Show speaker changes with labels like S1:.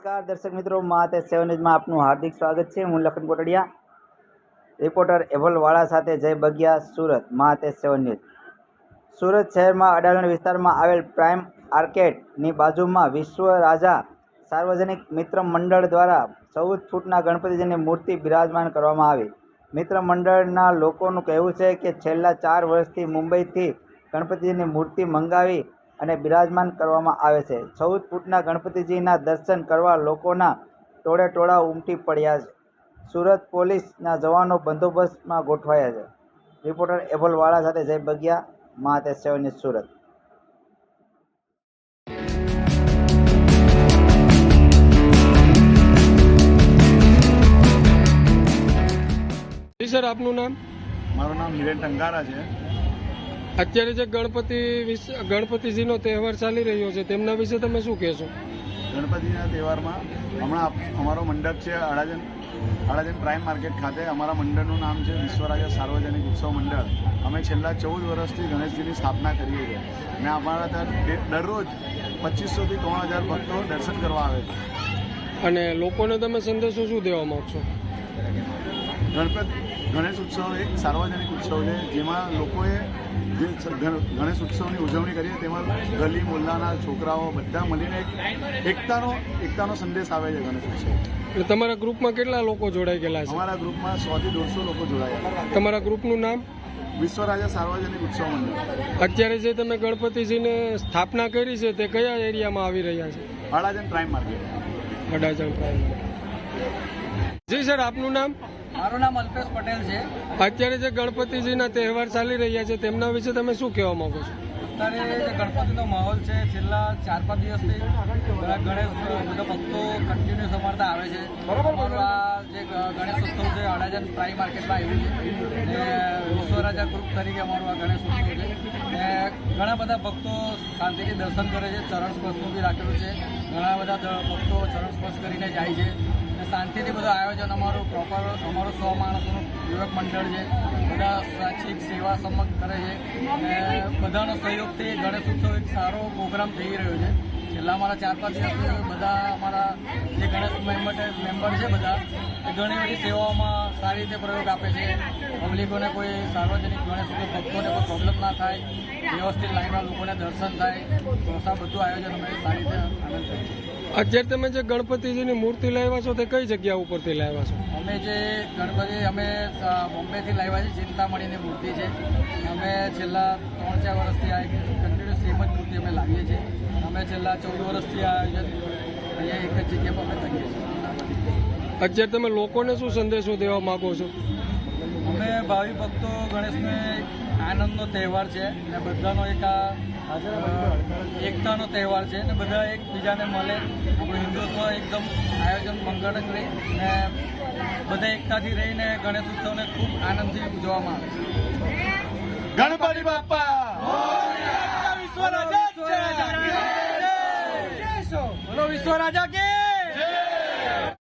S1: નમસ્કાર દર્શક મિત્રો, મા તે 7 ન્યૂઝમાં આપનું હાર્દિક સ્વાગત છે। હું લખન કોટડિયા, રિપોર્ટર એભલ વાળા સાથે જય બગિયા, સુરત। મા તે 7 ન્યૂઝ। સુરત શહેરમાં અડાલણ વિસ્તારમાં આવેલ પ્રાઇમ આર્કેડની બાજુમાં વિશ્વ રાજા સાર્વજનિક મિત્ર મંડળ દ્વારા 14 ફૂટના ગણપતિજીની મૂર્તિ બિરાજમાન કરવામાં આવી। મિત્ર મંડળના લોકોનું કહેવું છે કે છેલ્લા 4 વર્ષથી મુંબઈથી ગણપતિજીની મૂર્તિ મંગાવી અને બિરાજમાન કરવામાં આવે છે। 14 ફૂટના ગણપતિજીના દર્શન કરવા લોકોના ટોળે ટોળા ઉમટી પડ્યા છે। સુરત પોલીસના જવાનો બંદોબસ્તમાં ગોઠવાયા છે। રિપોર્ટર એભલ વાળા સાથે જય બગિયા, મા તે 7 ન્યૂઝ, સુરત।
S2: સર, આપનું નામ?
S3: મારું નામ હિરેન ટંકારા છે।
S2: અત્યારે જે ગણપતિજીનો તહેવાર ચાલી રહ્યો છે તેમના વિશે તમે શું કહેશો?
S3: ગણપતિના તહેવારમાં હમણાં અમારો મંડપ છે અડાજણ પ્રાઇમ માર્કેટ ખાતે। અમારા મંડળનું નામ છે વિશ્વરાજા સાર્વજનિક ઉત્સવ મંડળ। અમે છેલ્લા 14 વર્ષથી ગણેશજીની સ્થાપના કરીએ છીએ અને અમારા ત્યાં દરરોજ 2500 થી 3000 ભક્તો દર્શન કરવા આવે છે।
S2: અને લોકોને તમે સંદેશો શું દેવા માંગશો?
S3: ગણેશ ઉત્સવ એક સાર્વજનિક ઉત્સવ છે જેમાં લોકોએ જે ગણેશ ઉત્સવની ઉજવણી કરીએ તેમાં ગલી મોહલ્લાના છોકરાઓ બધા મળીને એકતાનો સંદેશ આવે છે ગણેશ ઉત્સવ।
S2: એટલે તમારા ગ્રુપમાં કેટલા લોકો જોડાઈ ગયેલા છે?
S3: અમારા ગ્રુપમાં 100 થી 150 લોકો જોડાયા।
S2: તમારા ગ્રુપનું નામ?
S3: વિશ્વરાજા સાર્વજનિક ઉત્સવ મંડળ।
S2: અત્યારે જે તમે ગણપતિજીને સ્થાપના કરી છે તે કયા એરિયામાં આવી રહ્યા છે?
S3: Adajan prime market.
S2: Adajan prime. જી સર, આપનું નામ?
S4: મારું નામ અલ્પેશ પટેલ છે।
S2: અત્યારે જે ગણપતિજીના તહેવાર ચાલી રહ્યા છે તેમના વિશે તમે શું કહેવા માંગો છો?
S4: અત્યારે જે ગણપતિનો માહોલ છે છેલ્લા 4-5 દિવસથી ગણેશ બધા ભક્તો કન્ટિન્યુઅસ અમારતા આવે છે। અમારું આ જે ગણેશ ઉત્સવ છે અડાજણ પ્રાઇમ માર્કેટમાં આવ્યું છે ને વિશ્વરાજા ગ્રુપ તરીકે અમારું આ ગણેશ ઉત્સવ છે ને ઘણા બધા ભક્તો શાંતિથી દર્શન કરે છે। ચરણ સ્પર્શનું બી રાખેલું છે। ઘણા બધા ભક્તો ચરણ સ્પર્શ કરીને જાય છે। શાંતિથી બધું આયોજન અમારું પ્રોપર અમારું 100 માણસોનું યુવક મંડળ છે। બધા સ્વૈચ્છિક સેવા સમગ્ર કરે છે અને બધાનો સહયોગથી ગણેશ ઉત્સવ એક સારો પ્રોગ્રામ થઈ રહ્યો છે। છેલ્લા અમારા 4-5 દિવસથી બધા અમારા જે ગણેશ મેમ્બર છે બધા એ ઘણી બધી સેવાઓમાં સારી રીતે પ્રયોગ આપે છે। પબ્લિકોને કોઈ સાર્વજનિક ગણેશ ઉત્સવ ભક્તોને કોઈ પ્રોબ્લેમ ના થાય, વ્યવસ્થિત લાઈનમાં લોકોને દર્શન થાય, તો બધું આયોજન અમે સારી રીતે આનંદ કરીએ છીએ।
S2: અત્યારે તમે જે ગણપતિજીની મૂર્તિ લાવ્યા છો તે કઈ જગ્યા ઉપરથી લાવ્યા છો?
S4: અમે જે ગણપતિ અમે બોમ્બેથી લાવ્યા છે। ચિંતામણીની મૂર્તિ છે। અમે છેલ્લા 3-4 વર્ષથી આ કન્ટિન્યુઅસ સેમ જ મૂર્તિ અમે લાવીએ છીએ। અમે છેલ્લા 14 વર્ષથી આ આયોજન અહીંયા એક જ જગ્યા પર અમે કરીએ છીએ।
S2: અત્યારે તમે લોકોને શું સંદેશો દેવા માગો છો?
S4: અમે ભાવિ ભક્તો ગણેશને આનંદનો તહેવાર છે ને બધાનો એક આ એકતાનો તહેવાર છે ને બધા એકબીજાને મળે, આપણું હિન્દુત્વ એકદમ આયોજન મંગળક રહી ને બધા એકતાથી રહીને ગણેશ ઉત્સવને ખૂબ આનંદથી ઉજવવામાં આવે છે।
S3: ગણપતિ બાપ્પા
S4: બોલો વિશ્વ રાજા કે